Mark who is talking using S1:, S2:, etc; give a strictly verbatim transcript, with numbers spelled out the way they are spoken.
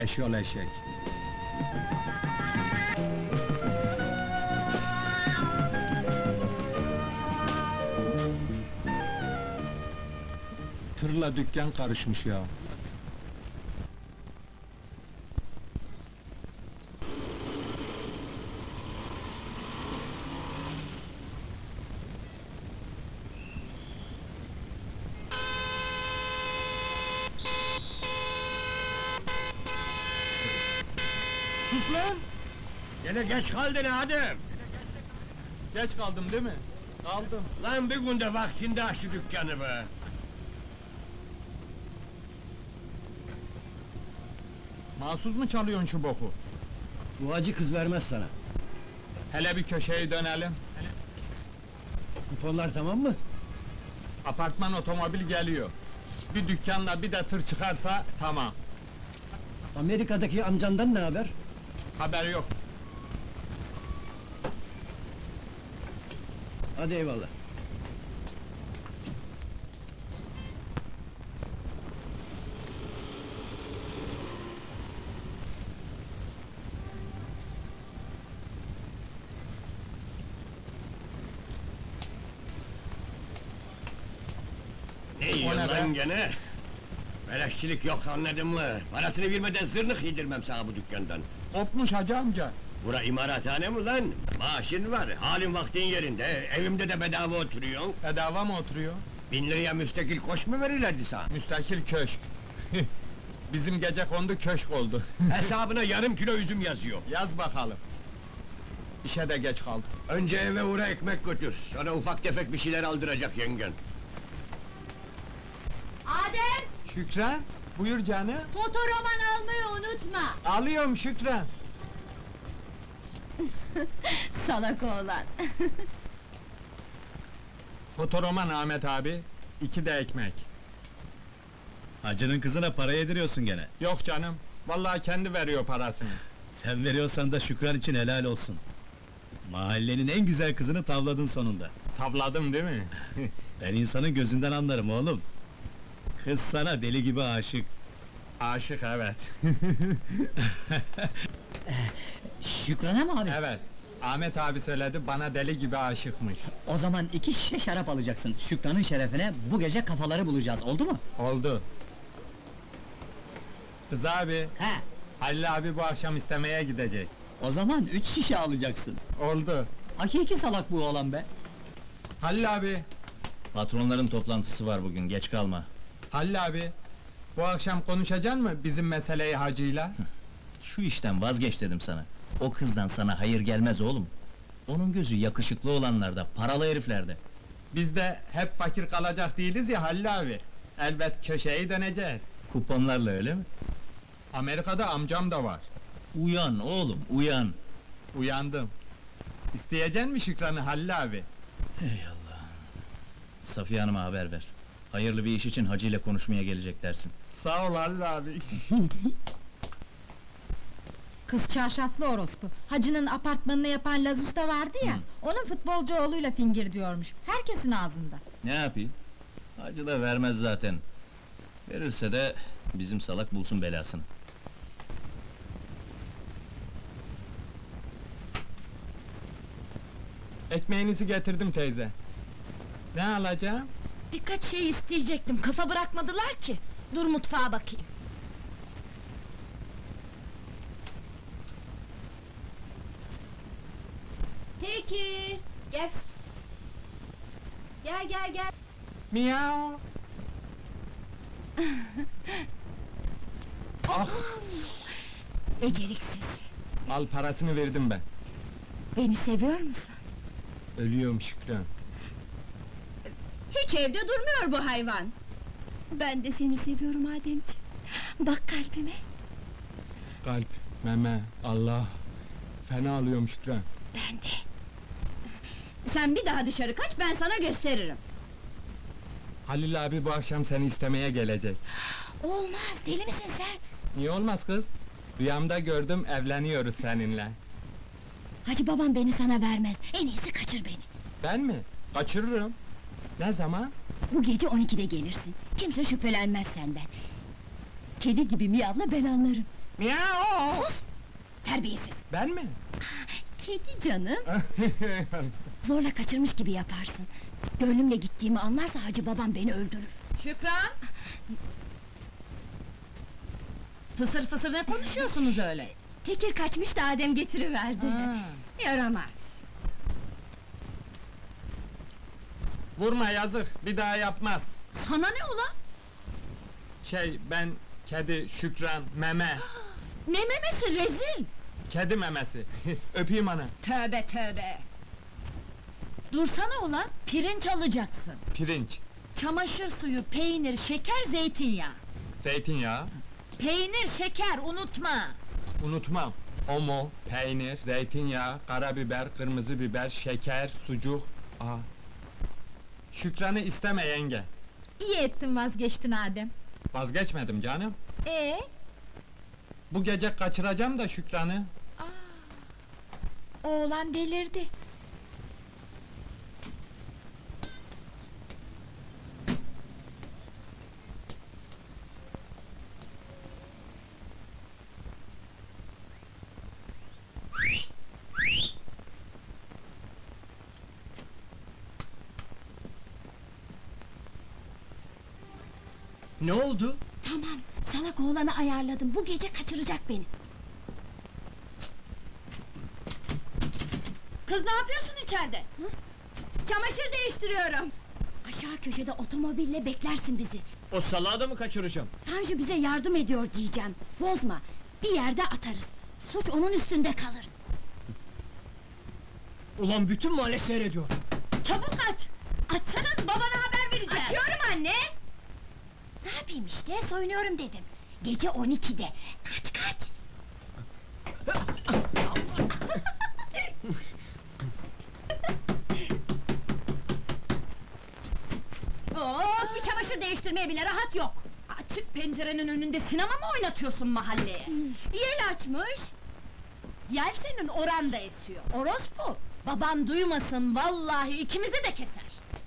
S1: Eşyol eşek. Tırla dükkan karışmış ya. Sus lan!
S2: Gene geç kaldın Adem!
S1: Geç kaldım değil mi? Kaldım.
S2: Lan bir günde vaktinde aç şu dükkanı be!
S1: Mahsus mu çalıyorsun şu boku?
S2: Bu acı kız vermez sana.
S1: Hele bir köşeye dönelim.
S2: Kuponlar tamam mı?
S1: Apartman otomobil geliyor. Bir dükkanla bir de tır çıkarsa tamam.
S2: Amerika'daki amcandan ne haber?
S1: Haber yok.
S2: Hadi eyvallah. Ne yiyorsun
S1: ne
S2: lan
S1: be?
S2: gene? Beleşçilik yok anladın mı? Parasını vermeden zırnık yedirmem sana bu dükkandan.
S1: Kopmuş hacı amca.
S2: Bura imarathane mi lan? Maaşın var, halin vaktin yerinde, evimde de bedava oturuyorsun.
S1: Bedava mı oturuyor?
S2: Bin liraya müstakil koş mu verirlerdi sana?
S1: Müstakil köşk. Bizim gece kondu köşk oldu.
S2: Hesabına yarım kilo üzüm yazıyor.
S1: Yaz bakalım. İşe de geç kaldım.
S2: Önce eve uğra ekmek götür, sonra ufak tefek bir şeyler aldıracak yengen.
S3: Adem,
S1: Şükran, buyur canım.
S3: fotoroman almayı unutma.
S1: Alıyorum Şükran.
S3: Salak oğlan.
S1: Fotoroman Ahmet abi, iki de ekmek.
S4: Hacının kızına para yediriyorsun gene.
S1: Yok canım, vallahi kendi veriyor parasını.
S4: Sen veriyorsan da Şükran için helal olsun. Mahallenin en güzel kızını tavladın sonunda.
S1: Tavladım değil mi?
S4: Ben insanın gözünden anlarım oğlum. Kız sana deli gibi aşık.
S1: Aşık evet.
S5: Şükran'a mı abi?
S1: Evet, Ahmet abi söyledi, bana deli gibi aşıkmış.
S5: O zaman iki şişe şarap alacaksın. Şükran'ın şerefine bu gece kafaları bulacağız, oldu mu?
S1: Oldu. Kız abi,
S5: He,
S1: Halil abi bu akşam istemeye gidecek.
S5: o zaman üç şişe alacaksın.
S1: Oldu.
S5: Hakiki salak bu oğlan be!
S1: Halil abi,
S4: Patronların toplantısı var bugün, geç kalma.
S1: Halil abi, bu akşam konuşacaksın mı bizim meseleyi hacıyla?
S4: Şu işten vazgeç dedim sana. O kızdan sana hayır gelmez oğlum. Onun gözü yakışıklı olanlarda, paralı heriflerde.
S1: Biz de hep fakir kalacak değiliz ya Halil abi. Elbet köşeyi döneceğiz.
S4: Kuponlarla öyle mi?
S1: Amerika'da amcam da var.
S4: Uyan oğlum, uyan!
S1: Uyandım. İsteyecek mi Şükran'ı Halil abi?
S4: Safiye Hanım'a haber ver. Hayırlı bir iş için Hacı ile konuşmaya gelecek dersin.
S1: Sağ ol Halil abi.
S3: Kız çarşaflı orospu. Hacı'nın apartmanını yapan Laz Usta vardı ya, onun futbolcu oğluyla fingir diyormuş. Herkesin ağzında.
S4: Ne yapayım? Hacı da vermez zaten. Verirse de bizim salak bulsun belasını.
S1: Ekmeğinizi getirdim teyze. Ne alacağım?
S6: Birkaç şey isteyecektim, kafa bırakmadılar ki. Dur mutfağa bakayım.
S3: Tekir, gel. Gel gel gel.
S1: Miau. Ah,
S6: Beceriksiz.
S1: al parasını verdim ben.
S6: Beni seviyor musun?
S1: Ölüyorum Şükran.
S3: Hiç evde durmuyor bu hayvan.
S6: Ben de seni seviyorum Ademciğim. Bak kalbime.
S1: Kalp, meme, Allah. Fena alıyorum Şükran.
S6: Ben de.
S3: Sen bir daha dışarı kaç, ben sana gösteririm.
S1: Halil abi bu akşam seni istemeye gelecek.
S6: Olmaz, deli misin sen?
S1: Niye olmaz kız? Rüyamda gördüm, evleniyoruz seninle.
S6: Hacı babam beni sana vermez. En iyisi kaçır beni.
S1: Ben mi? Kaçırırım. Ne zaman?
S6: Bu gece on ikide gelirsin. Kimse şüphelenmez senden. Kedi gibi miyavla, ben anlarım.
S1: Miau!
S6: Sus! Terbiyesiz!
S1: Ben mi?
S6: Kedi canım! Zorla kaçırmış gibi yaparsın. Gönlümle gittiğimi anlarsa hacı babam beni öldürür.
S7: Şükran! Fısır fısır ne konuşuyorsunuz öyle?
S6: Tekir kaçmış da Adem getiriverdi.
S7: Ha.
S6: Yaramaz!
S1: Vurma yazık, bir daha yapmaz.
S7: Sana ne ulan?
S1: Şey, ben kedi, Şükran, meme,
S7: Ne memesi rezil!
S1: kedi memesi. Öpeyim ana.
S7: Tövbe tövbe! Dursana ulan, pirinç alacaksın.
S1: Pirinç,
S7: Çamaşır suyu, peynir, şeker, zeytinyağı.
S1: zeytinyağı,
S7: Peynir, şeker, unutma!
S1: unutmam. Omo, peynir, zeytinyağı, karabiber, kırmızı biber, şeker, sucuk. Aa. Şükran'ı isteme yenge.
S3: İyi ettin vazgeçtin Adem.
S1: Vazgeçmedim canım.
S3: Ee,
S1: Bu gece kaçıracağım da Şükran'ı.
S3: oğlan delirdi.
S5: Ne oldu?
S6: Tamam, salak oğlanı ayarladım. Bu gece kaçıracak beni.
S7: Kız ne yapıyorsun içeride?
S6: Çamaşır değiştiriyorum. Aşağı köşede otomobille beklersin bizi.
S5: O salağı da mı kaçıracağım?
S6: Tanju bize yardım ediyor diyeceğim. Bozma, bir yerde atarız. Suç onun üstünde kalır.
S5: Ulan bütün mahalle seyrediyor.
S7: Çabuk aç! Açsanız babana haber vereceğim!
S6: Açıyorum anne! Ne yapayım işte, soyunuyorum dedim. Gece on ikide. Kaç kaç!
S7: Oo, bir çamaşır değiştirmeye bile rahat yok! Açık pencerenin önünde sinema mı oynatıyorsun mahalleye?
S6: Yel açmış!
S7: Yel senin oranda esiyor, orospu! Baban duymasın, vallahi ikimizi de keser!